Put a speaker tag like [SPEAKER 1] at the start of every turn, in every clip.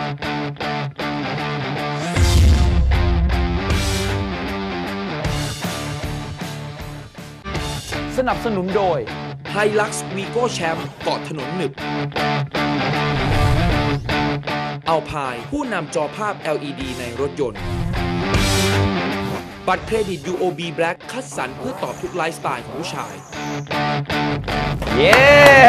[SPEAKER 1] สนับสนุนโดย Hilux Vigo Champ เกาะถนนหนึบอัลพายผู้นำจอภาพ LED ในรถยนต์บัตรเครดิต UOB Black คัดสรรเพื่อตอบทุกไลฟ์สไตล์ของผู้ชาย
[SPEAKER 2] เย้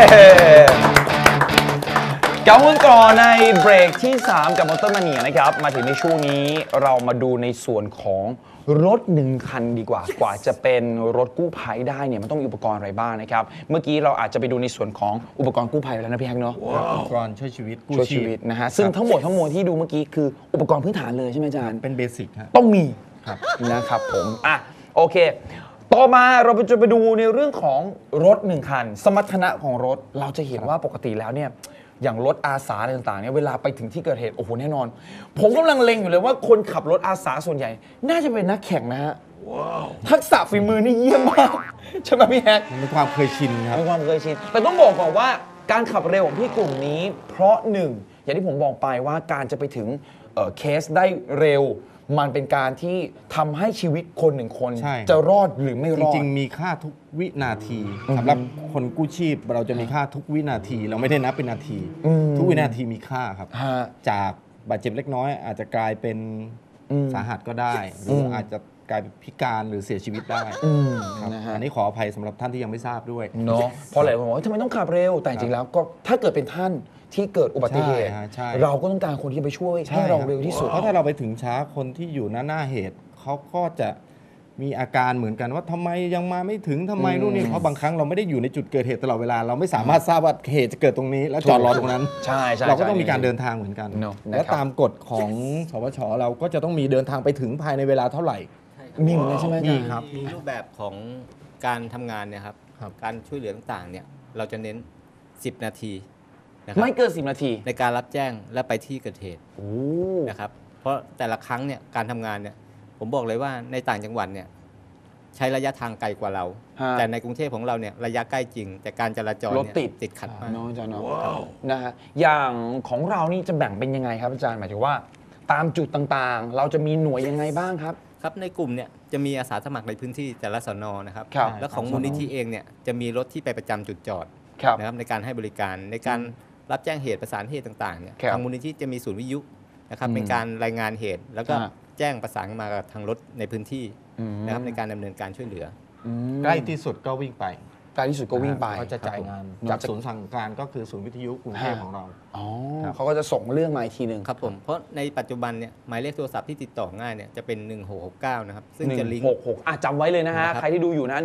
[SPEAKER 2] กลับมาต่อในเบรกที่ 3 กับมอเตอร์มาเนียนะครับมาถึงในช่วงนี้เรามาดูในส่วนของรถ1คันดีกว่าจะเป็นรถกู้ภัยได้เนี่ยมันต้องมีอุปกรณ์อะไรบ้างนะครับเมื่อกี้เราอาจจะไปดูในส่วนของอุปกรณ์กู้ภัยแล้วนะพี่แฮกเนาะ
[SPEAKER 3] อุปกรณ์ช่วยชีวิต
[SPEAKER 2] ช่วยชีวิตนะฮะซึ่งทั้งหมดทั้งมวลที่ดูเมื่อกี้คืออุปกรณ์พื้นฐานเลยใช่ไหมอาจารย์
[SPEAKER 3] เป็นเบสิกฮะ
[SPEAKER 2] ต้องมีนะครับผมโอเคต่อมาเราจะไปดูในเรื่องของรถ1คันสมรรถนะของรถเราจะเห็นว่าปกติแล้วเนี่ยอย่างรถอาสาอะไรต่างๆเนี่ยเวลาไปถึงที่เกิดเหตุโอ้โหแน่นอนผมกำลังเล็งอยู่เลยว่าคนขับรถอาสาส่วนใหญ่น่าจะเป็นนักแข่งนะฮะทักษะฝีมือนี่เยี่ยมมากใช่ไหมพี่แฮก
[SPEAKER 3] มันเป็นความเคยชินครับ
[SPEAKER 2] เป็นความเคยชินแต่ต้องบอกก่อนว่าการขับเร็วของพี่กลุ่มนี้เพราะหนึ่งอย่างที่ผมบอกไปว่าการจะไปถึงเคสได้เร็วมันเป็นการที่ทำให้ชีวิตคนหนึ่งคนจะรอดหรือไม่รอด
[SPEAKER 3] จริงๆมีค่าทุกวินาทีสำหรับคนกู้ชีพเราจะมีค่าทุกวินาทีเราไม่ได้นับเป็นนาทีทุกวินาทีมีค่าครับจากบาดเจ็บเล็กน้อยอาจจะกลายเป็นสาหัสก็ได้หรืออาจจะกลายเป็นพิการหรือเสียชีวิตได้อันนี้ขออภัยสำหรับท่านที่ยังไม่ทราบด้วย
[SPEAKER 2] เนาะเพราะหลายคนบอกว่าทำไมต้องขับเร็วแต่จริงแล้วก็ถ้าเกิดเป็นท่านที่เกิดอุบัติเหตุเราก็ต้องการคนที่ไปช่วยให้เราเร็วที่สุด
[SPEAKER 3] เพราะถ้าเราไปถึงช้าคนที่อยู่หน้าเหตุเขาก็จะมีอาการเหมือนกันว่าทำไมยังมาไม่ถึงทำไมนู่นนี่เพราะบางครั้งเราไม่ได้อยู่ในจุดเกิดเหตุตลอดเวลาเราไม่สามารถทราบว่าเหตุจะเกิดตรงนี้แล้วจอดรอตรงนั้นเราก็ต้องมีการเดินทางเหมือนกันและตามกฎของสวชเราก็จะต้องมีเดินทางไปถึงภายในเวลาเท่าไหร่
[SPEAKER 2] มีเหมือนกันใช่ไหม
[SPEAKER 4] มีครับมีรูปแบบของการทำงานเนี่ยครับการช่วยเหลือต่างๆเนี่ยเราจะเน้น10 นาที
[SPEAKER 2] ไม่เกิน10 นาที
[SPEAKER 4] ในการรับแจ้งและไปที่เกิดเหตุนะครับเพราะแต่ละครั้งเนี่ยการทำงานเนี่ยผมบอกเลยว่าในต่างจังหวัดเนี่ยใช้ระยะทางไกลกว่าเราแต่ในกรุงเทพของเราเนี่ยระยะใกล้จริงแต่การจราจร
[SPEAKER 2] รถ
[SPEAKER 4] ติดขัดมาก
[SPEAKER 2] นะฮะอย่างของเรานี่จะแบ่งเป็นยังไงครับอาจารย์หมายถึงว่าตามจุดต่างๆเราจะมีหน่วยยังไงบ้างครับ
[SPEAKER 4] ครับในกลุ่มเนี่ยจะมีอาสาสมัครในพื้นที่แต่ละสน.นะครับและของมูลนิธิเองเนี่ยจะมีรถที่ไปประจำจุดจอดนะครับในการให้บริการในการรับแจ้งเหตุประสานเหตุต่างๆเนี่ยทางมูลนิธิจะมีศูนย์วิทยุนะครับเป็นการรายงานเหตุแล้วก็แจ้งประสานมากับทางรถในพื้นที่นะครับในการดำเนินการช่วยเหลือ
[SPEAKER 3] ใกล้ที่สุดก็วิ่งไป
[SPEAKER 2] ใกล้ที่สุดก็วิ่งไป
[SPEAKER 3] เขาจะจ่ายงานจากศูนย์สั่งการก็คือศูนย์วิทยุกรุงเทพของเรา
[SPEAKER 2] เขาก็จะส่งเรื่องมาอีกทีหนึ่ง
[SPEAKER 4] ครับผมเพราะในปัจจุบันเนี่ยหมายเลขโทรศัพท์ที่ติดต่อง่ายเนี่ยจะเป็น1669นะครับซึ่งจะลิงก์
[SPEAKER 2] 166จำไว้เลยนะฮะใครที่ดูอยู่นะ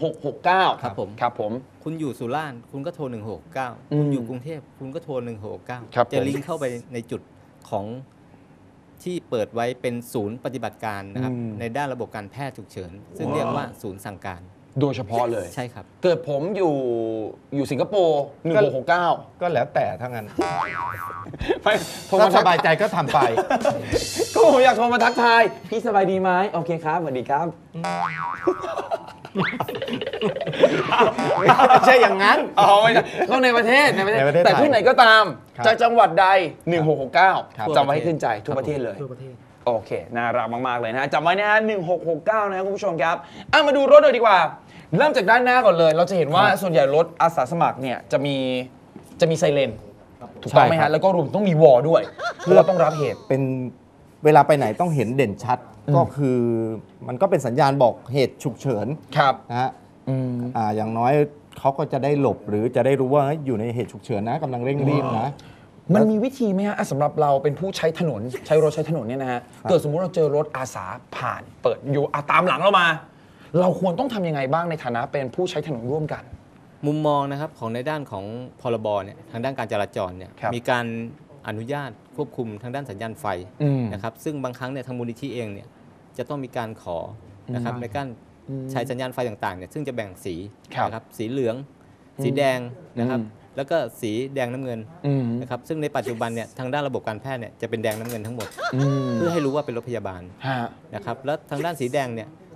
[SPEAKER 2] 1669ครับผม
[SPEAKER 4] คุณอยู่สุราษฎร์คุณก็โทร1669คุณอยู่กรุงเทพคุณก็โทร1669จะลิงก์เข้าไปในจุดของที่เปิดไว้เป็นศูนย์ปฏิบัติการนะครับในด้านระบบการแพทย์ฉุกเฉินซึ่งเรียกว่าศูนย์สั่งการ
[SPEAKER 2] โดยเฉพาะเลย
[SPEAKER 4] ใช่ครับ
[SPEAKER 2] เกิดผมอยู่สิงคโปร์1669
[SPEAKER 3] ก็แล้วแต่ทั้งนั้นโทรมาสบายใจก็ทำไป
[SPEAKER 2] ก็ผมอยากโทรมาทักทายพี่สบายดีไหมโอเคครับสวัสดีครับ
[SPEAKER 3] ไม่ใช่อย่างนั้น
[SPEAKER 2] ไม่ใช่ต้องในประเทศแต่ที่ไหนก็ตามจากจังหวัดใด1669จำไว้ให้ขึ้นใจทั่วประเทศเลยโอเคน่ารักมากๆเลยนะจำไว้นะฮะ1669นะครับคุณผู้ชมครับมาดูรถเลยดีกว่าเริ่มจากด้านหน้าก่อนเลยเราจะเห็นว่าส่วนใหญ่รถอาสาสมัครเนี่ยจะมีไซเรนถูกต้องไหมฮะแล้วก็รวมต้องมีวอลด้วยเพื่อต้องรับเหตุ
[SPEAKER 3] เป็นเวลาไปไหนต้องเห็นเด่นชัดก็คือมันก็เป็นสัญญาณบอกเหตุฉุกเฉินนะฮะอย่างน้อยเขาก็จะได้หลบหรือจะได้รู้ว่าอยู่ในเหตุฉุกเฉินนะกำลังเร่งรีบนะ
[SPEAKER 2] มันมีวิธีไหมฮะสำหรับเราเป็นผู้ใช้ถนนใช้รถใช้ถนนเนี่ยนะฮะเกิดสมมุติเราเจอรถอาสาผ่านเปิดอยู่ตามหลังเรามาเราควรต้องทำยังไงบ้างในฐานะเป็นผู้ใช้ถนนร่วมกัน
[SPEAKER 4] มุมมองนะครับของในด้านของพรบเนี่ยทางด้านการจราจรเนี่ยมีการอนุญาตควบคุมทางด้านสัญญาณไฟนะครับซึ่งบางครั้งเนี่ยทางมูลนิธิเองเนี่ยจะต้องมีการขอนะครับในการใช้สัญญาณไฟต่างๆเนี่ยซึ่งจะแบ่งสีนะครับสีเหลืองสีแดงนะครับแล้วก็สีแดงน้ำเงินนะครับซึ่งในปัจจุบันเนี่ยทางด้านระบบการแพทย์เนี่ยจะเป็นแดงน้ำเงินทั้งหมดเพื่อให้รู้ว่าเป็นรถพยาบาลนะครับแล้วทางด้านสีแดงเนี่ย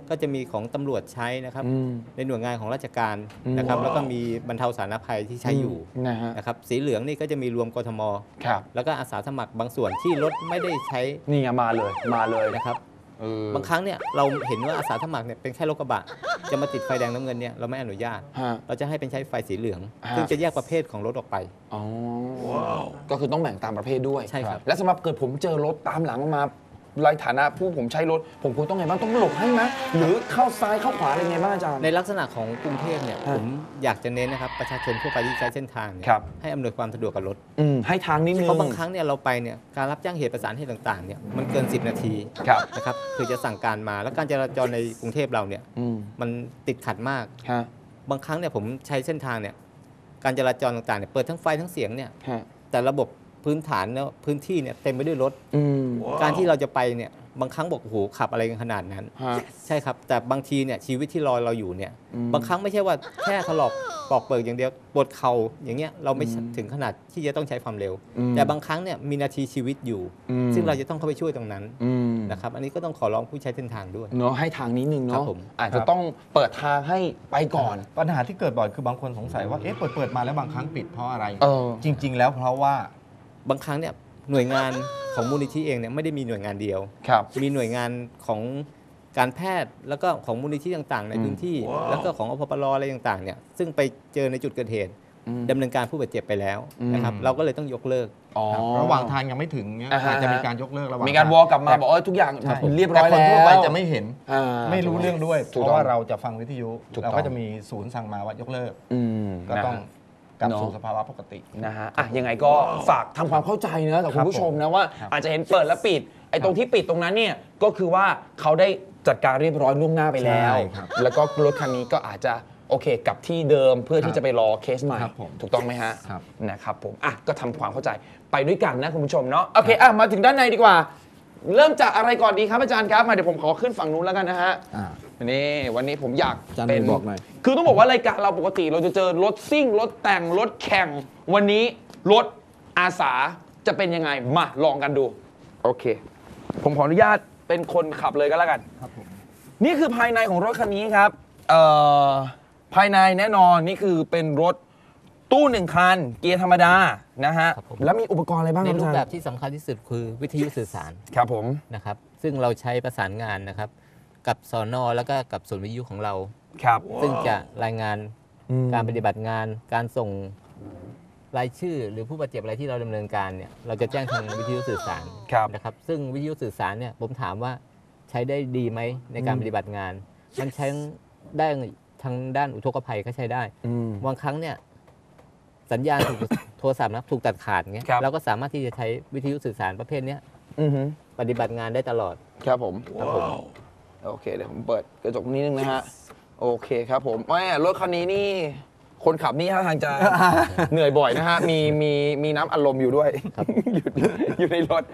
[SPEAKER 4] ก็จะมีของตำรวจใช้นะครับในหน่วยงานของราชการนะครับแล้วก็มีบรรเทาสาธารณภัยที่ใช้อยู่นะครับสีเหลืองนี่ก็จะมีรวมกทมแล้วก็อาสาสมัครบางส่วนที่รถไม่ได้ใช้
[SPEAKER 2] นี่ไงมาเลย
[SPEAKER 4] นะครับบางครั้งเนี่ยเราเห็นว่าอาสาสมัครเนี่ยเป็นแค่รถกระบะจะมาติดไฟแดงน้ำเงินเนี่ยเราไม่อนุญาตเราจะให้เป็นใช้ไฟสีเหลืองซึ่งจะแยกประเภทของรถออกไป
[SPEAKER 2] อ๋อก็คือต้องแบ่งตามประเภทด้วย
[SPEAKER 4] ใช่ครับ
[SPEAKER 2] และสำหรับเกิดผมเจอรถตามหลังมาในฐานะผู้ผมใช้รถผมควรต้องไงบ้างต้องหลบให้ไหมหรือเข้าซ้ายเข้าขวาอะไรไงบ้างอาจารย์
[SPEAKER 4] ในลักษณะของกรุงเทพเนี่ยผมอยากจะเน้นนะครับประชาชนทั่วไปที่ใช้เส้นทางให้อำนวยความสะดวกกับรถ
[SPEAKER 2] ให้ทางนิดนึง
[SPEAKER 4] เพราะบางครั้งเนี่ยเราไปเนี่ยการรับจ้างเหตุประสานเหตุต่างๆเนี่ยมันเกิน10 นาทีนะครับคือจะสั่งการมาแล้วการจราจรในกรุงเทพเราเนี่ยมันติดขัดมากบางครั้งเนี่ยผมใช้เส้นทางเนี่ยการจราจรต่างๆเนี่ยเปิดทั้งไฟทั้งเสียงเนี่ยแต่ระบบพื้นฐานเนี่ยพื้นที่เนี่ยเต็มไปด้วยรถการที่เราจะไปเนี่ยบางครั้งบอกโอ้โหขับอะไรกันขนาดนั้นใช่ครับแต่บางทีเนี่ยชีวิตที่รอเราอยู่เนี่ยบางครั้งไม่ใช่ว่าแค่ถลอกปอกเปิกอย่างเดียวปวดเข่าอย่างเงี้ยเราไม่ถึงขนาดที่จะต้องใช้ความเร็วแต่บางครั้งเนี่ยมีนาทีชีวิตอยู่ซึ่งเราจะต้องเข้าไปช่วยตรงนั้นนะครับอันนี้ก็ต้องขอร้องผู้ใช้เส้นทางด้วย
[SPEAKER 2] เนาะให้ทางนิดนึงเนาะอาจจะต้องเปิดทางให้ไปก่อน
[SPEAKER 3] ปัญหาที่เกิดบ่อยคือบางคนสงสัยว่าเปิดมาแล้วบางครั้งปิดเพราะอะไรจริงๆแล้วเพราะว่า
[SPEAKER 4] บางครั้งเนี่ยหน่วยงานของมูลนิธิเองเนี่ยไม่ได้มีหน่วยงานเดียวมีหน่วยงานของการแพทย์แล้วก็ของมูลนิธิต่างๆในพื้นที่แล้วก็ของอพปรอะไรต่างๆเนี่ยซึ่งไปเจอในจุดเกิดเหตุดำเนินการผู้บาดเจ็บไปแล้วนะครับเราก็เลยต้องยกเลิก
[SPEAKER 3] ระหว่างทางยังไม่ถึงเนี่ยอาจจะมีการยกเลิกระหว่าง
[SPEAKER 2] มีการวอลกลับมาบอกทุกอย่างเรียบร้อยแล้ว
[SPEAKER 3] คนทั่วไปจะไม่เห็นไม่รู้เรื่องด้วยเพราะว่าเราจะฟังวิทยุเราก็จะมีศูนย์สั่งมาว่ายกเลิกก็ต้องกลับสู่สภาวะปกติ
[SPEAKER 2] นะฮะยังไงก็ฝากทำความเข้าใจนะกับคุณผู้ชมนะว่าอาจจะเห็นเปิดและปิดไอ้ตรงที่ปิดตรงนั้นเนี่ยก็คือว่าเขาได้จัดการเรียบร้อยล่วงหน้าไปแล้วแล้วก็รถคันนี้ก็อาจจะโอเคกลับที่เดิมเพื่อที่จะไปรอเคสใหม่ถูกต้องไหมฮะนะครับผมก็ทำความเข้าใจไปด้วยกันนะคุณผู้ชมเนาะโอเคมาถึงด้านในดีกว่าเริ่มจากอะไรก่อนดีครับอาจารย์ครับมาเดี๋ยวผมขอขึ้นฝั่งนู้นแล้วกันนะฮะนี่วันนี้ผมอยาก
[SPEAKER 3] เป็นบอกหน่อย
[SPEAKER 2] คือต้องบอกว่ารายการเราปกติเราจะเจอรถซิ่งรถแต่งรถแข่งวันนี้รถอาสาจะเป็นยังไงมาลองกันดูโอเคผมขออนุญาตเป็นคนขับเลยก็แล้วกันครับผมนี่คือภายในของรถคันนี้ครับภายในแน่นอนนี่คือเป็นรถตู้1คันเกียร์ธรรมดานะฮะแล้วมีอุปกรณ์อะไรบ้าง
[SPEAKER 4] ในรูปแบบที่สำคัญที่สุดคือวิทยุสื่อสาร
[SPEAKER 2] ครับผม
[SPEAKER 4] นะครับซึ่งเราใช้ประสานงานนะครับกับสน.แล้วก็กับศูนย์วิทยุของเรา
[SPEAKER 2] ครับ
[SPEAKER 4] ซึ่งจะรายงานการปฏิบัติงานการส่งรายชื่อหรือผู้บาดเจ็บอะไรที่เราดำเนินการเนี่ยเราจะแจ้งทางวิทยุสื่อสารนะครับซึ่งวิทยุสื่อสารเนี่ยผมถามว่าใช้ได้ดีไหมในการปฏิบัติงานมันใช้ได้ทางด้านอุทกภัยก็ใช้ได้บางครั้งเนี่ยสัญญาณโทรศัพท์นะถูกตัดขาดเงี้ยเราก็สามารถที่จะใช้วิทยุสื่อสารประเภทนี้ปฏิบัติงานได้ตลอด
[SPEAKER 2] ครับผมโอเคเดี๋ยวผมเปิดกระจกนิดนึงนะฮะโอเคครับผมรถคันนี้นี่คนขับนี่ท่าทางจะเหนื่อยบ่อยนะฮะมีน้ำอารมณ์อยู่ด้วยอยู่ในรถ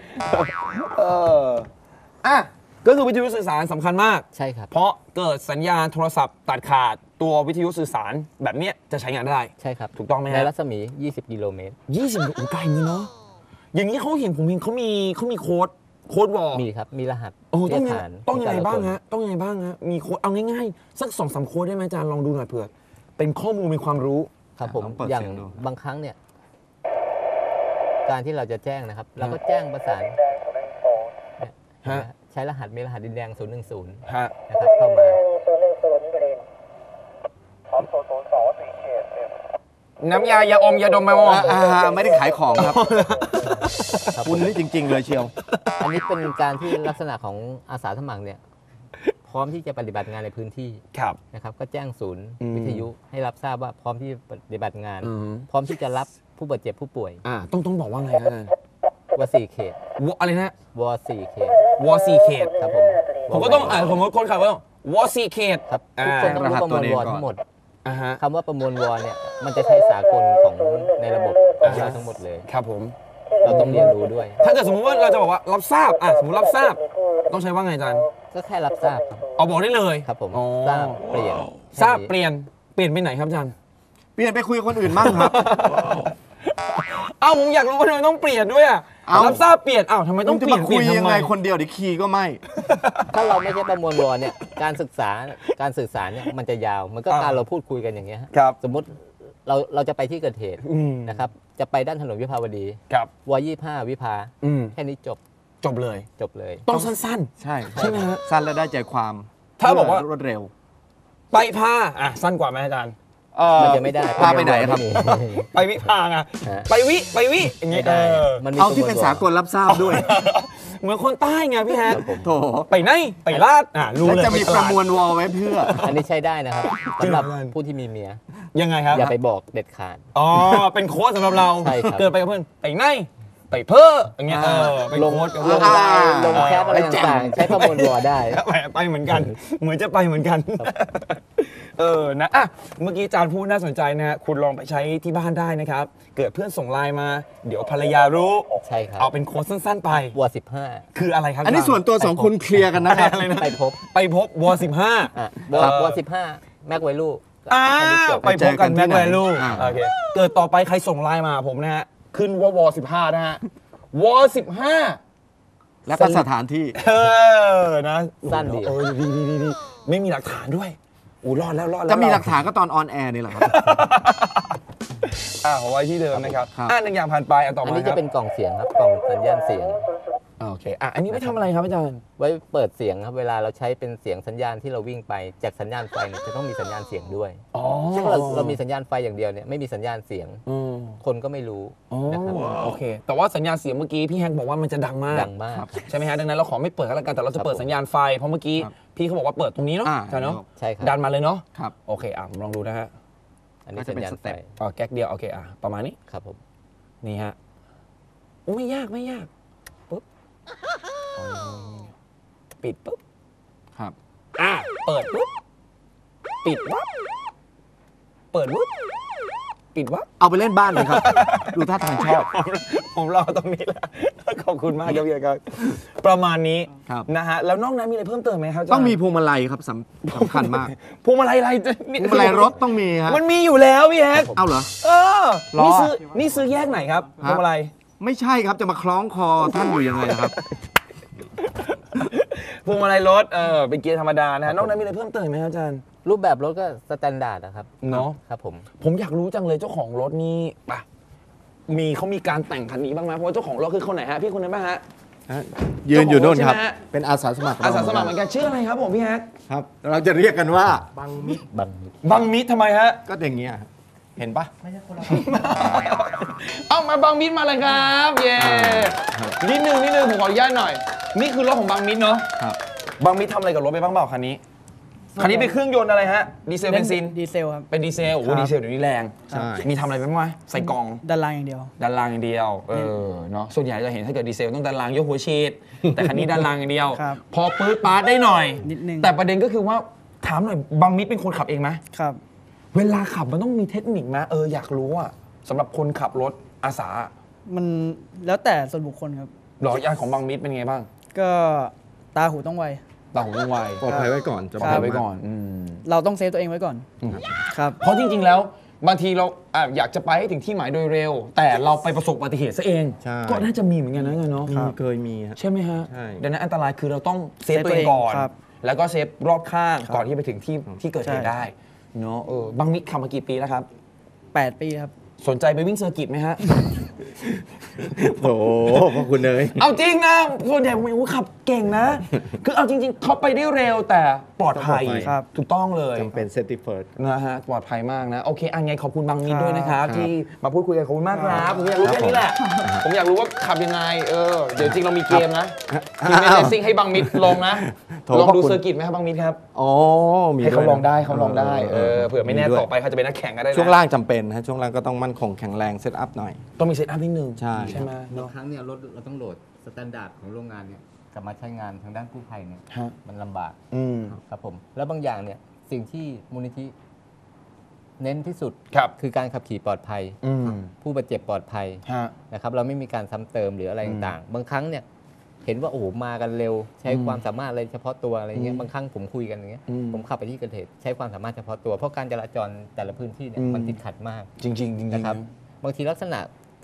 [SPEAKER 2] ก็คือวิทยุสื่อสารสำคัญมาก
[SPEAKER 4] ใช่ครับ
[SPEAKER 2] เพราะเกิดสัญญาณโทรศัพท์ตัดขาดตัววิทยุสื่อสารแบบนี้จะใช้งานได้
[SPEAKER 4] ใช่ครับ
[SPEAKER 2] ถูกต้องไหม
[SPEAKER 4] ในรัศมี20 กิโลเมตร
[SPEAKER 2] 20ไกลเลยเนาะอย่างนี้ผมเห็นเขามีโค้ดวอล
[SPEAKER 4] มีครับมีรหัส
[SPEAKER 2] ต้องยังไงบ้างฮะมีโค้ดเอาง่ายๆสัก 2-3 โค้ดได้ไหมอาจารย์ลองดูหน่อยเผื่อเป็นข้อมูลมีความรู้
[SPEAKER 4] ครับผมอย่างบางครั้งเนี่ยการที่เราจะแจ้งนะครับเราก็แจ้งประสานใช้รหัสมีรหัสดินแดง010นะครับเข้ามา
[SPEAKER 2] น้ำยาอมยาดมไปมั้ง
[SPEAKER 3] ไม่ได้ขายของครับคุณนี่จริงๆเลยเชียว
[SPEAKER 4] อันนี้เป็นการที่ลักษณะของอาสาสมัครเนี่ยพร้อมที่จะปฏิบัติงานในพื้นที่นะครับก็แจ้งศูนย์วิทยุให้รับทราบว่าพร้อมที่ปฏิบัติงานพร้อมที่จะรับผู้บาดเจ็บผู้ป่วย
[SPEAKER 2] ต้องบอกว่าไงนะ
[SPEAKER 4] ว4 เขต
[SPEAKER 2] อะไรนะ
[SPEAKER 4] ว4 เขต
[SPEAKER 2] 4 เขต
[SPEAKER 4] ครับ
[SPEAKER 2] ผมก็ต้องผมก็คนขับว่าว4 เขต
[SPEAKER 4] ครับทุกคนต้องรู้ประมวลวทั้งหมดคำว่าประมวลวเนี่ยมันจะใช้สากลของในระบบของเราทั้งหมดเลย
[SPEAKER 2] ครับผม
[SPEAKER 4] เราต้องเรียนรู้ด้วย
[SPEAKER 2] ถ้าเกิดสมมติว่าเราจะบอกว่ารับทราบสมมติรับทราบต้องใช้ว่าไงอาจารย์
[SPEAKER 4] ก็แค่รับทราบ
[SPEAKER 2] บอกได้เลย
[SPEAKER 4] ครับผมทราบเปลี่ยน
[SPEAKER 2] ไปไหนครับอาจารย์
[SPEAKER 3] เปลี่ยนไปคุยกับคนอื่นมั่งครับ
[SPEAKER 2] ผมอยากรู้ว่าทำไมต้องเปลี่ยนด้วยรับทราบเปลี่ยนอ้าวทำไมต้องเปลี่ยน
[SPEAKER 3] คุย
[SPEAKER 2] ทำ
[SPEAKER 3] ยัง
[SPEAKER 2] ไม
[SPEAKER 3] ไงคนเดียวเดี๋ยวคีย์ก็ไม่
[SPEAKER 4] ถ้าเราไม่ใช่ประมวลวอเนี่ยการสื่อสารเนี่ยมันจะยาวมันก็การเราพูดคุยกันอย่างเงี้ย
[SPEAKER 2] ครับ
[SPEAKER 4] สมมุติเราจะไปที่เกิดเหตุนะครับจะไปด้านถนนวิภาวดี
[SPEAKER 2] ครับ
[SPEAKER 4] ว25วิภาแค่นี้จบ
[SPEAKER 2] จบเลย ต้องสั้น
[SPEAKER 3] ใช่
[SPEAKER 2] ใช่ไหมฮะ
[SPEAKER 3] สั้นและได้ใจความ
[SPEAKER 2] ถ้าบอกว่า
[SPEAKER 3] รวดเร็ว
[SPEAKER 2] ๆ ไปพาสั้นกว่าไหมอาจารย์
[SPEAKER 4] มันจะไม่ได้
[SPEAKER 3] พาไปไหนครับ
[SPEAKER 2] ไปวิพาไงไปวิอย่างงี้
[SPEAKER 4] ไม่ได้มันมี
[SPEAKER 3] เอาที่เป็นสากลรับทราบด้วย
[SPEAKER 2] เหมือนคนใต้ไงพี่แฮก
[SPEAKER 3] โถ
[SPEAKER 2] ไปไหนไปลาดรู้
[SPEAKER 3] แล้ว
[SPEAKER 2] เลย
[SPEAKER 3] จะมีประมวลวอลไว้เพื่อ
[SPEAKER 4] อันนี้ใช้ได้นะครับ
[SPEAKER 2] จริง
[SPEAKER 4] สำ
[SPEAKER 2] เห
[SPEAKER 4] ห
[SPEAKER 2] รอ
[SPEAKER 4] รับผู้ที่มีเมีย
[SPEAKER 2] ยังไงครับ
[SPEAKER 4] อย่าไปบอกเด็ดขาด
[SPEAKER 2] อ๋อเป็นโค้ดสำหรับเรา
[SPEAKER 4] ใช่ครับ
[SPEAKER 2] เกิดไปกับเพื่อนไปไหนไปเพ้ออย่างเงี้ยเป็นโค้ดกับเพื่อน
[SPEAKER 4] ลงแคปอะไรต่างๆใช้ประมวลวอได้
[SPEAKER 2] ไปเหมือนกัน เหมือนจะไปเหมือนกันนะเมื่อกี้อาจารย์พูดน่าสนใจนะฮะคุณลองไปใช้ที่บ้านได้นะครับ เกิดเพื่อนส่งไลน์มา เดี๋ยวภรรยารู้
[SPEAKER 4] ใช่ครับ
[SPEAKER 2] เอาเป็นโค้ดสั้นๆไป
[SPEAKER 4] วอ
[SPEAKER 2] คืออะไรครับ
[SPEAKER 3] อันนี้ส่วนตัวสองคนเคลียร์กันนะครับ
[SPEAKER 4] 15ไปพบ
[SPEAKER 2] ไปพบว15
[SPEAKER 4] วอ15แม็กไวลู
[SPEAKER 2] ไปพบกันแม็กแวลู
[SPEAKER 3] อ่า
[SPEAKER 2] โอเคเกิดต่อไปใครส่งไลน์มาผมนะฮะขึ้นว่าว15นะฮะว15
[SPEAKER 3] และก็สถานที่
[SPEAKER 2] นะ
[SPEAKER 4] สั้นดี
[SPEAKER 2] ดีไม่มีหลักฐานด้วยรอดแล้ว
[SPEAKER 3] จะมีหลักฐานก็ตอนออนแอร์นี่แหละครับ
[SPEAKER 2] เอาไว้ที่เดิมนะครับ
[SPEAKER 3] ครับ
[SPEAKER 2] หนึ่งอย่างผ่านไปต่อ
[SPEAKER 4] อัน
[SPEAKER 2] มา
[SPEAKER 4] นี้
[SPEAKER 2] ค
[SPEAKER 4] จะ
[SPEAKER 2] รับ
[SPEAKER 4] เป็นกล่องเสียงครับกล่องสัญญาณเสียง
[SPEAKER 2] โอเคอันนี้ไม่ทำอะไรครับอาจารย์
[SPEAKER 4] ไว้เปิดเสียงครับเวลาเราใช้เป็นเสียงสัญญาณที่เราวิ่งไปจากสัญญาณไฟเนี่ยจะต้องมีสัญญาณเสียงด้วย
[SPEAKER 2] อ๋อ
[SPEAKER 4] ถ้าเรามีสัญญาณไฟอย่างเดียวเนี่ยไม่มีสัญญาณเสียงคนก็ไม่รู้นะครับ
[SPEAKER 2] โอเคแต่ว่าสัญญาณเสียงเมื่อกี้พี่แฮงบอกว่ามันจะดังมาก
[SPEAKER 4] ดังมาก
[SPEAKER 2] ใช่ไหมฮะดังนั้นเราขอไม่เปิดกันแล้วกันแต่เราจะเปิดสัญญาณไฟเพราะเมื่อกี้พี่เขาบอกว่าเปิดตรงนี้เนาะใช่เนาะ
[SPEAKER 4] ใช่ครับ
[SPEAKER 2] ดันมาเลยเนาะ
[SPEAKER 3] ครับ
[SPEAKER 2] โอเคผมลองดูนะฮะ
[SPEAKER 4] อันนี้
[SPEAKER 3] ก็จะ
[SPEAKER 4] สัญ
[SPEAKER 3] เป็น
[SPEAKER 4] ญาณ
[SPEAKER 3] ส
[SPEAKER 4] ไฟ
[SPEAKER 3] เต็ป
[SPEAKER 2] แก๊กเดียวโอเคประมาณนี้
[SPEAKER 4] ครับผม
[SPEAKER 2] นี่ฮะไม่ยากปุ๊บปิดปุ๊บ
[SPEAKER 3] ครับ
[SPEAKER 2] เปิดปุ๊บปิดวับเปิดปุ๊บปิดวับ
[SPEAKER 3] เอาไปเล่นบ้านเลยครับ ดูท่าทางชอบ
[SPEAKER 2] ผมรอตรงนี้แหละขอบคุณมากครับพี่ครับประมาณนี้
[SPEAKER 3] ครับ
[SPEAKER 2] นะฮะแล้วนอกนั้นมีอะไรเพิ่มเติมไหมครับาจารย์
[SPEAKER 3] ต้องมีพวงมาลัยครับสำคัญมาก
[SPEAKER 2] พวงมาลัยอะไร
[SPEAKER 3] พวงมาลัยรถต้องมีฮะ
[SPEAKER 2] มันมีอยู่แล้วพี่แฮก
[SPEAKER 3] เอาเหรอ รอ
[SPEAKER 2] นี่ซื้อแยกไหนครับพวงมาลัย
[SPEAKER 3] ไม่ใช่ครับจะมาคล้องคอท่านอยู่ยังไงนะครับ
[SPEAKER 2] พวงมาลัยรถเป็นเกียร์ธรรมดานะฮะนอกนั้นมีอะไรเพิ่มเติมไหมครับอาจารย์
[SPEAKER 4] รูปแบบรถก็สแตนดาร์ดนะครับ
[SPEAKER 2] เนาะ
[SPEAKER 4] ครับผม
[SPEAKER 2] ผมอยากรู้จังเลยเจ้าของรถนี่เขามีการแต่งคันนี้บ้างไหมเพราะว่าเจ้าของรถคือคนไหนฮะพี่คนนั้นป่ะฮะ
[SPEAKER 3] ยืนอยู่นู่นครับ
[SPEAKER 2] ใช่ไหมฮะ
[SPEAKER 3] เป็นอาสาสมัคร
[SPEAKER 2] อาสาสมัครเหมือนกันชื่ออะไรครับผมพี่แฮก
[SPEAKER 3] ครับ เราจะเรียกกันว่า
[SPEAKER 4] บัง
[SPEAKER 2] บังมิดทำไมฮะ
[SPEAKER 3] ก็อย่างเงี้ยครับเห็นปะ
[SPEAKER 2] เอามาบังมิดมาเลยครับเย้นิดนึงผมขออนุญาตหน่อย นี่คือรถของบังมิดเนาะ
[SPEAKER 3] ครับ
[SPEAKER 2] บังมิดทำอะไรกับรถไปบ้างเปล่าคันนี้คันนี้เป็นเครื่องยนต์อะไรฮะดีเซลเบนซิน
[SPEAKER 5] ดีเซลครับ
[SPEAKER 2] เป็นดีเซลโอ้โห
[SPEAKER 5] ครับ
[SPEAKER 2] ดีเซลเดี๋ยวนี้แรง
[SPEAKER 3] ใช่
[SPEAKER 2] มีทำอะไรไปบ้างไหมใส่กล่อง
[SPEAKER 5] ด้านล่างอย่างเดียว
[SPEAKER 2] ด้านล่างอย่างเดียวเนาะส่วนใหญ่จะเห็นถ้าเกิดดีเซลต้องด้านล่างยกหัวฉีด แต่คันนี้ด้านล่างอย่างเดียว
[SPEAKER 5] ครับ
[SPEAKER 2] พอปื๊ดปาร์ตได้หน่อย
[SPEAKER 5] นิดนึง
[SPEAKER 2] แต่ประเด็นก็คือว่าถามหน่อยบังมิดเป็นคนขับเองไหม
[SPEAKER 5] ครับ
[SPEAKER 2] เวลาขับมันต้องมีเทคนิคไหมอยากรู้อะสำหรับคนขับรถอาสา
[SPEAKER 5] มันแล้วแต่ส่วนบุคคลครับ
[SPEAKER 2] หรอยานของบังมิดเป็นไงบ้าง
[SPEAKER 5] ก็ตาหูต้องไว
[SPEAKER 2] ตาหูต้องไว
[SPEAKER 3] ปลอดภัยไว้ก่อนจะ
[SPEAKER 2] ปลอดภัยไว้ก่อน
[SPEAKER 5] เราต้องเซฟตัวเองไว้ก่อน ครับ
[SPEAKER 2] เพราะจริงๆแล้วบางทีเราอยากจะไปให้ถึงที่หมายโดยเร็ว แต่เราไปประสบอุบัติเหตุซะเอง
[SPEAKER 3] ใช่
[SPEAKER 2] ก็น่าจะมีเหมือนกันนะเนาะ
[SPEAKER 3] เคยมีฮะ
[SPEAKER 2] ใช่ไหมฮะ
[SPEAKER 3] ใช่
[SPEAKER 2] ดังนั้นอันตรายคือเราต้องเซฟ
[SPEAKER 5] เซฟ
[SPEAKER 2] ตัวเองก่อน
[SPEAKER 5] ครับ
[SPEAKER 2] แล้วก็เซฟรอบข้างก่อนที่ไปถึงที่เกิดเหตุ
[SPEAKER 5] ใช่
[SPEAKER 2] ได้เนาะบังมิดขับมากี่ปีแล้วครับ
[SPEAKER 5] 8 ปีครับ
[SPEAKER 2] สนใจไปวิ่งเซอร์กิตไหมฮะ
[SPEAKER 3] โอ้โหพระคุณเลย
[SPEAKER 2] เอาจริงนะส่วนใหญ่ผมขับเก่งนะ คือเอาจริงๆเขาไปได้เร็วแต่ปลอดภัย
[SPEAKER 3] ปลอดภัย
[SPEAKER 5] ครับ
[SPEAKER 2] ถูกต้องเลย
[SPEAKER 3] จำเป็นเซฟตี้เฟิร์ส
[SPEAKER 2] นะฮะปลอดภัยมากนะ โอเคอันไงขอบคุณบางมิน
[SPEAKER 5] ครับ
[SPEAKER 2] ด้วยนะครับ
[SPEAKER 3] ครับ
[SPEAKER 2] ที่มาพูดคุยกันขอบคุณมากครับผมอยากรู้แค่นี้แหละ ผมอยากรู้ว่าขับยังไงเดี๋ยวจริงเรามีเกมนะทีมเลสซิ่งให้บางมิดลองนะ
[SPEAKER 3] โถ
[SPEAKER 2] ลองดู
[SPEAKER 3] ขอบคุณ
[SPEAKER 2] เซอร์กิตไหมครับบางมิดครับ
[SPEAKER 3] อ๋อมี
[SPEAKER 2] ให้เขา
[SPEAKER 3] ด้วยนะ
[SPEAKER 2] ลองได้เขาลองได้เผื่อไม่แน่
[SPEAKER 3] ด้วย
[SPEAKER 2] ต่อไปเขาจะเป็นนักแข่งก็ได้นะ
[SPEAKER 3] ช่วงล่างจำเป็นฮะช่วงล่างก็ต้องมั่นคงแข็งแรงเซตอัพหน่อย
[SPEAKER 2] ต้องมีเซตอัพนิดนึง
[SPEAKER 3] ใช่
[SPEAKER 2] ไหม
[SPEAKER 4] บา
[SPEAKER 2] เนาะ
[SPEAKER 4] งครั้งเนี่ยรถเราต้องโหลดสแตนดาร์ดของโรงงานเนี่ยกลับมาใช้งานทางด้านกู้ภัยเนี่ย
[SPEAKER 2] ฮะ
[SPEAKER 4] มันลำบาก
[SPEAKER 2] อืม
[SPEAKER 4] ครับผมแล้วบางอย่างเนี่ยสิ่งที่มูลนิธิเน้นที่สุด
[SPEAKER 2] ครับ
[SPEAKER 4] คือการขับขี่ปลอดภัย
[SPEAKER 2] อืม
[SPEAKER 4] ผู้บาดเจ็บปลอดภัย
[SPEAKER 2] ฮะ
[SPEAKER 4] นะครับเราไม่มีการซ้ำเติมหรืออะไรต่างๆ บางครั้งเนี่ยเห็นว่าโอ้โหมากันเร็ว ใช้ความสามารถอะไรเฉพาะตัวอะไรเงี้ยบางครั้งผมคุยกันอย่างเงี้ยผมขับไปที่เกิดเหตุใช้ความสามารถเฉพาะตัวเพราะการจราจรแต่ละพื้นที่เนี่ยมันติดขัดมาก
[SPEAKER 2] จริงๆจริงๆ
[SPEAKER 4] นะครับบางทีลักษณะ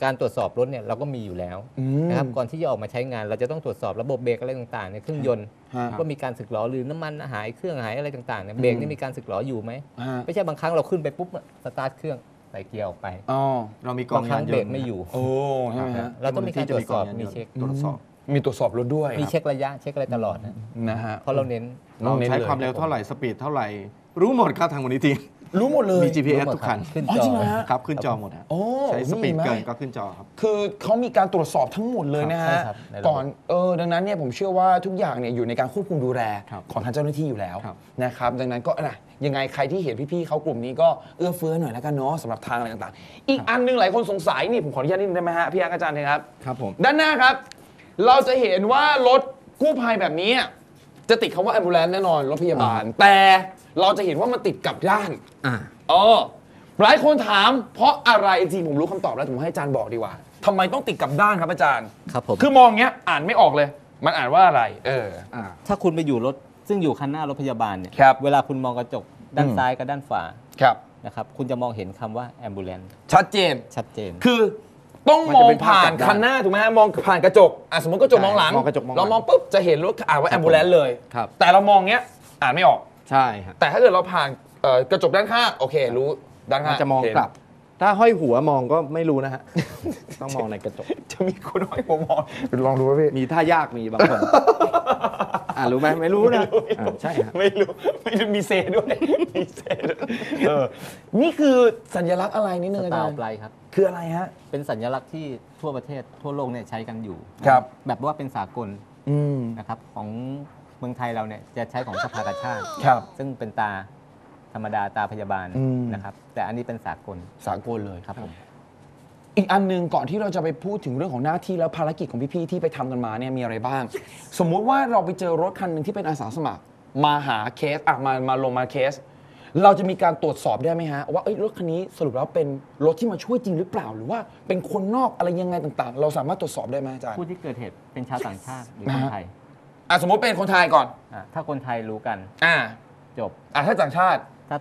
[SPEAKER 4] การตรวจสอบรถเนี่ยเราก็มีอยู่แล้วนะครับก่อนที่จะออกมาใช้งานเราจะต้องตรวจสอบระบบเบรกอะไรต่างๆในเครื่องยนต์ว่ามีการสึกหรอหรือน้ำมันหายเครื่องหายอะไรต่างๆเนี่ยเบรกนี่มีการสึกหรออยู่ไหมไม่ใช่บางครั้งเราขึ้นไปปุ๊บสตาร์ทเครื่องใส่เกียร์ออกไป
[SPEAKER 3] เรามีกองยานยนต์
[SPEAKER 4] เบรกไม่อยู่
[SPEAKER 2] ใช่ไหมฮะ
[SPEAKER 4] เราต้องมีการตรวจสอบมีเช็ค
[SPEAKER 2] ตรวจสอบมีตรวจสอบรถด้วย
[SPEAKER 4] มีเช็คระยะเช็คอะไรตลอดนะฮะเพราะเราเน้น
[SPEAKER 3] เราใช้ความเร็วเท่าไหร่สปีดเท่าไหร่รู้หมดครับทางมูลนิธิ
[SPEAKER 2] รู้หมดเลย
[SPEAKER 3] มี GPS ทุกคัน
[SPEAKER 4] ขึ้นจอ
[SPEAKER 3] ครับขึ้นจอหมดใช้สปีดเกินก็ขึ้นจอครับ
[SPEAKER 2] คือเขามีการตรวจสอบทั้งหมดเลยนะฮะก่อนดังนั้นเนี่ยผมเชื่อว่าทุกอย่างเนี่ยอยู่ในการควบคุมดูแลของทางเจ้าหน้าที่อยู่แล้วนะครับดังนั้นก็ยังไงใครที่เห็นพี่ๆเขากลุ่มนี้ก็เอื้อเฟื้อหน่อยแล้วกันเนาะสำหรับทางอะไรต่างๆอีกอันนึงหลายคนสงสัยนี่ผมขออนุญาตนิดนึงได้ไหมฮะพี่อาจารย์ครับ
[SPEAKER 3] ครับผม
[SPEAKER 2] ด้านหน้าครับเราจะเห็นว่ารถกู้ภัยแบบนี้จะติดคำว่า ambulance แน่นอนรถพยาบาลแต่เราจะเห็นว่ามันติดกับด้านหลายคนถามเพราะอะไรจริงผมรู้คำตอบแล้วผมให้อาจารย์บอกดีกว่าทำไมต้องติดกับด้านครับอาจารย์
[SPEAKER 4] ครับผม
[SPEAKER 2] คือมองเงี้ยอ่านไม่ออกเลยมันอ่านว่าอะไร
[SPEAKER 4] ถ้าคุณไปอยู่รถซึ่งอยู่คันหน้ารถพยาบาลเนี่ยเวลาคุณมองกระจกด้านซ้ายกับด้านขวานะครับคุณจะมองเห็นคำว่า ambulance
[SPEAKER 2] ชัดเจนคือต้องมองผ่านคันหน้าถูกไหมฮะมองผ่านกระจกสมมติกระจกมองหลังเรามองปุ๊บจะเห็นรถอ่านว่า ambulance เลยแต่เรามองเงี้ยอ่านไม่ออก
[SPEAKER 3] ใช่
[SPEAKER 2] แต่ถ้าเกิดเราผ่านกระจกด้านข้างโอเครู้ด้านข้าง
[SPEAKER 3] จะมองกลับถ้าห้อยหัวมองก็ไม่รู้นะฮะต้องมองในกระจก
[SPEAKER 2] จะมีคนห้อยหัวมองลองดูว่าพี่
[SPEAKER 3] มีท่ายากมีบางคนรู้ไหมไม่รู้นะใช่
[SPEAKER 2] ไม่รู้มีเซด้วยมีเซนี่คือสัญลักษณ์อะไรนิดนึงอาจารย์
[SPEAKER 4] ปลายครับ
[SPEAKER 2] คืออะไรฮะ
[SPEAKER 4] เป็นสัญลักษณ์ที่ทั่วประเทศทั่วโลกเนี่ยใช้กันอยู่แบบว่าเป็นสากลนะครับของเมืองไทยเราเนี่ยจะใช้ของสภากาชาติซึ่งเป็นตาธรรมดาตาพยาบาลนะครับแต่อันนี้เป็นสากล
[SPEAKER 2] เลย
[SPEAKER 4] ครับผม
[SPEAKER 2] อีกอันนึงก่อนที่เราจะไปพูดถึงเรื่องของหน้าที่แล้วภารกิจของพี่ๆที่ไปทำกันมาเนี่ยมีอะไรบ้างสมมุติว่าเราไปเจอรถคันหนึ่งที่เป็นอาสาสมัครมาหาเคสมาลงมาเคสเราจะมีการตรวจสอบได้ไหมฮะว่ารถคันนี้สรุปแล้วเป็นรถที่มาช่วยจริงหรือเปล่าหรือว่าเป็นคนนอกอะไรยังไงต่างๆเราสามารถตรวจสอบได้ไหมอาจารย์
[SPEAKER 4] ผู้ที่เกิดเหตุเป็นชาวต่างชาติหรือคนไทย
[SPEAKER 2] สมมติเป็นคนไทยก่อน
[SPEAKER 4] ถ้าคนไทยรู้กันจบ
[SPEAKER 2] ถ้าต่างชาติ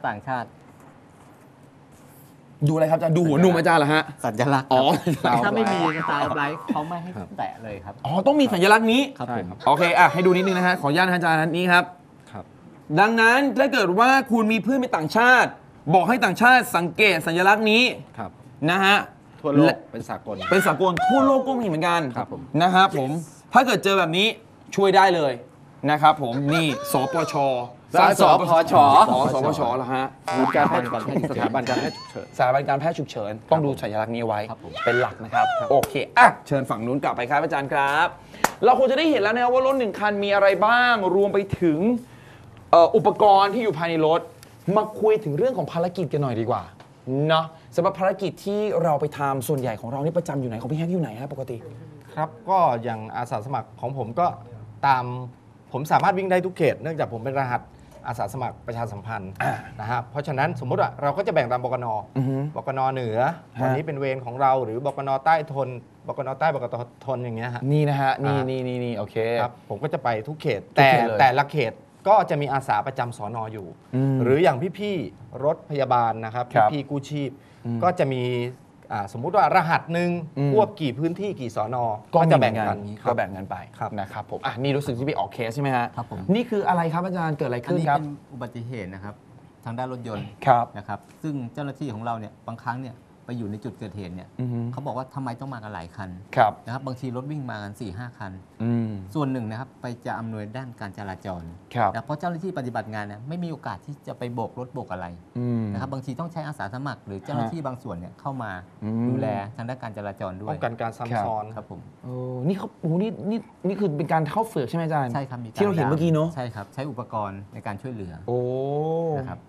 [SPEAKER 2] ดูอะไรครับอาจารย์ดูหัวนุ่มอาจารย์เหรอฮะ
[SPEAKER 4] สัญลักษณ์ถ้าไม่มีตาไบรท์เขาไม่ให้แตะเลยครับ
[SPEAKER 2] ต้องมีสัญลักษณ์นี้
[SPEAKER 4] ครับผม
[SPEAKER 2] โอเคให้ดูนิดนึงนะฮะขออนุญาตอาจารย์นี้ครับดังนั้นถ้าเกิดว่าคุณมีเพื่อนเป็นต่างชาติบอกให้ต่างชาติสังเกตสัญลักษณ์นี้นะฮะ
[SPEAKER 3] ทั่วโลกเป็นสากล
[SPEAKER 2] ทั่วโลกก็มีเหมือนกันนะครับผมถ้าเกิดเจอแบบนี้ช่วยได้เลยนะครับผมนี่สปช.
[SPEAKER 3] สปช.
[SPEAKER 2] เหรอฮะ
[SPEAKER 3] สถาบันการแพทย์ฉุกเฉิน
[SPEAKER 2] ต้องดูสัญลักษณ์นี้ไว้เป็นหลักนะครับโอเคเชิญฝั่งนู้นกลับไปครับอาจารย์ครับเราคงจะได้เห็นแล้วนะครับว่ารถ1คันมีอะไรบ้างรวมไปถึงอุปกรณ์ที่อยู่ภายในรถมาคุยถึงเรื่องของภารกิจกันหน่อยดีกว่าเนาะสำหรับภารกิจที่เราไปทำส่วนใหญ่ของเรานี่ประจำอยู่ไหนของพี่แฮกอยู่ไหนฮะปกติ
[SPEAKER 3] ครับก็อย่างอาสาสมัครของผมก็ผมสามารถวิ่งได้ทุกเขตเนื่องจากผมเป็นรหัสอาสาสมัครประชาสัมพันธ์นะครับเพราะฉะนั้นสมมติว่าเราก็จะแบ่งตามบกน.เหนือวันนี้เป็นเวรของเราหรือบกน.ใต้ทนบกน.ใต้บกน.ทนอย่างเงี้ยฮะ
[SPEAKER 2] นี่นะฮะนี่โอเค
[SPEAKER 3] ครับผมก็จะไปทุกเขตแต่ละเขตก็จะมีอาสาประจำสน.อยู่หรืออย่างพี่ๆรถพยาบาลนะครับพี่กู้ชีพก็จะมีสมมุติว่ารหัสหนึ่งควบกี่พื้นที่กี่สน.ก็จะแบ่งกัน
[SPEAKER 2] ไปนะครับผมนี่รู้สึกที่ไปออกเคสใช่ไหมฮะ
[SPEAKER 4] ครับผม
[SPEAKER 2] นี่คืออะไรครับอาจารย์เกิดอะไรขึ้นครับ
[SPEAKER 4] เป็นอุบัติเหตุนะครับทางด้านรถยนต์นะครับซึ่งเจ้าหน้าที่ของเราเนี่ยบางครั้งเนี่ยไปอยู่ในจุดเกิดเหตุเนี่ยเขาบอกว่าทำไมต้องมากันหลายคันนะครับบางทีรถวิ่งมากัน 4-5 คันส่วนหนึ่งนะครับไปจะอำนวยด้านการจราจรนะเพราะเจ้าหน้าที่ปฏิบัติงานเนี่ยไม่มีโอกาสที่จะไปโบกรถโบกอะไรนะครับบางทีต้องใช้อาสาสมัครหรือเจ้าหน้าที่บางส่วนเนี่ยเข้ามาดูแลทางด้านการจราจรด้วย
[SPEAKER 3] ป้องกันการซ้ำซ้อน
[SPEAKER 4] ครับผม
[SPEAKER 2] นี่เขานี่คือเป็นการเข้าฝึกใช่ไหมอาจารย์
[SPEAKER 4] ใช่ครับ
[SPEAKER 2] ที่เราเห็นเมื่อกี้เนาะ
[SPEAKER 4] ใช่ครับใช้อุปกรณ์ในการช่วยเหลือนะครับ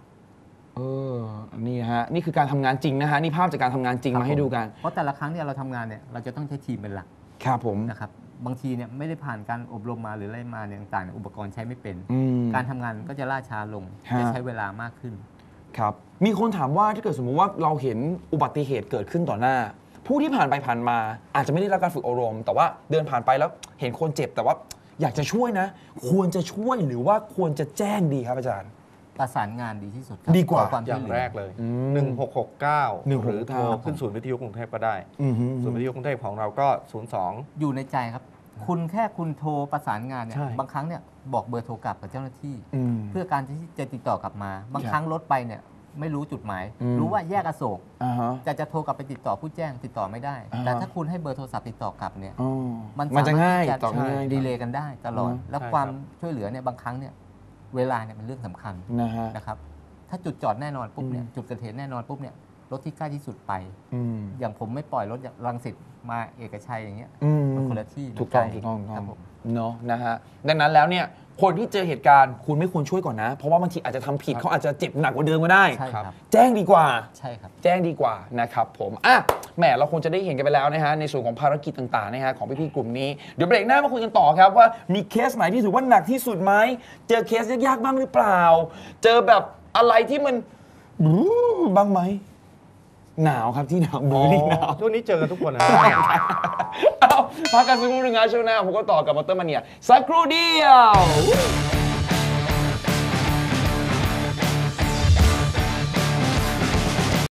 [SPEAKER 2] นี่ฮะนี่คือการทำงานจริงนะฮะนี่ภาพจากการทำงานจริงมาให้ดูกัน
[SPEAKER 4] เพราะแต่ละครั้งเนี่ยเราทำงานเนี่ยเราจะต้องใช้ทีมเป็นหลัก
[SPEAKER 2] ครับผม
[SPEAKER 4] นะครับบางทีเนี่ยไม่ได้ผ่านการอบรมมาหรืออะไรมาเนี่ยต่างๆอุปกรณ์ใช้ไม่เป็นการทำงานก็จะล่าช้าลงจะใช้เวลามากขึ้น
[SPEAKER 2] ครับมีคนถามว่าถ้าเกิดสมมติว่าเราเห็นอุบัติเหตุเกิดขึ้นต่อหน้าผู้ที่ผ่านไปผ่านมาอาจจะไม่ได้รับการฝึกอบรมแต่ว่าเดินผ่านไปแล้วเห็นคนเจ็บแต่ว่าอยากจะช่วยนะควรจะช่วยหรือว่าควรจะแจ้งดีครับอาจารย์
[SPEAKER 4] ประสานงานดีที่สุดครับ
[SPEAKER 2] ดีกว่า
[SPEAKER 4] ขอความ
[SPEAKER 3] อ
[SPEAKER 4] ช่ว
[SPEAKER 3] ย่าย ง
[SPEAKER 4] เหลื
[SPEAKER 3] แร
[SPEAKER 4] อ
[SPEAKER 3] กเลย 1669 หรือโทร
[SPEAKER 2] 1669
[SPEAKER 3] ขึ้นศูนย์วิทยุกรุงเทพก็ได้ ศูนย์วิทยุกรุงเทพของเราก็ 02
[SPEAKER 4] อยู่ในใจครับ คุณแค่คุณโทรประสานงานเนี่ย
[SPEAKER 3] ใช่
[SPEAKER 4] บางครั้งเนี่ยบอกเบอร์โทรกลับกับเจ้าหน้าที่
[SPEAKER 2] อืม
[SPEAKER 4] เพื่อการที่จะติดต่อกลับมา บางครั้งรถไปเนี่ยไม่รู้จุดหมาย
[SPEAKER 2] อืม
[SPEAKER 4] รู้ว่าแยกอโศก
[SPEAKER 2] อ่าฮะ
[SPEAKER 4] จะโทรกลับไปติดต่อผู้แจ้งติดต่อไม่ได้
[SPEAKER 2] อ่าฮะ
[SPEAKER 4] แต่ถ้าคุณให้เบอร์โทรศัพท์ติดต่อกลับเนี่ย
[SPEAKER 2] อ๋อ
[SPEAKER 4] มัน
[SPEAKER 2] มันจะง่าย
[SPEAKER 4] สรถ
[SPEAKER 2] ต่อ
[SPEAKER 4] ที่
[SPEAKER 2] ง่าย
[SPEAKER 4] ดีเลย์กันได้ตลอด
[SPEAKER 2] อืม
[SPEAKER 4] แล้ว
[SPEAKER 3] ใช่
[SPEAKER 4] ความ
[SPEAKER 3] ครับ
[SPEAKER 4] ช่วยเหลือเนี่ยบางครั้งเนี่ยเวลาเนี่ยเป็นเรื่องสำคัญ
[SPEAKER 2] นะฮะ
[SPEAKER 4] นะครับถ้าจุดจอดแน่นอนปุ๊บเนี่ย
[SPEAKER 2] อืม
[SPEAKER 4] จุดเกิดเหตุแน่นอนปุ๊บเนี่ยรถที่ใกล้ที่สุดไป
[SPEAKER 2] อืม
[SPEAKER 4] อย่างผมไม่ปล่อยรถจากรังสิตมาเอกชัยอย่างเงี้ย
[SPEAKER 2] อืม
[SPEAKER 4] มันคนละที่
[SPEAKER 2] ถูกต้อง
[SPEAKER 4] มันไ
[SPEAKER 2] ถูกต้อง
[SPEAKER 4] ครับผม
[SPEAKER 2] เนาะนะฮะดังนั้นแล้วเนี่ยคนที่เจอเหตุการณ์คุณไม่ควรช่วยก่อนนะ เพราะว่าบางทีอาจจะทำผิดเขาอาจจะเจ็บหนักกว่าเดิมก็ได้
[SPEAKER 4] ใช่ครับ
[SPEAKER 2] แจ้งดีกว่า
[SPEAKER 4] ใช่ครับ
[SPEAKER 2] แจ้งดีกว่านะครับผมอ่ะแหมเราคงจะได้เห็นกันไปแล้วนะฮะในส่วนของภารกิจต่างๆนะฮะของพี่ๆกลุ่มนี้เดี๋ยวเบรกหน้ามาคุยกันต่อครับว่ามีเคสไหนที่ถือว่าหนักที่สุดไหมเจอเคสยากๆบ้างหรือเปล่า เจอแบบอะไรที่มันบ้างไหมหนาวครับที่หนาวมือนี่หนาว
[SPEAKER 3] ช่วงนี้เจอกันทุกคนนะ
[SPEAKER 2] เอาพักกันสักครู่หนึงนะช่วงหน้าผมก็ต่อกับมอเตอร์มาเนียสักครู่เดียว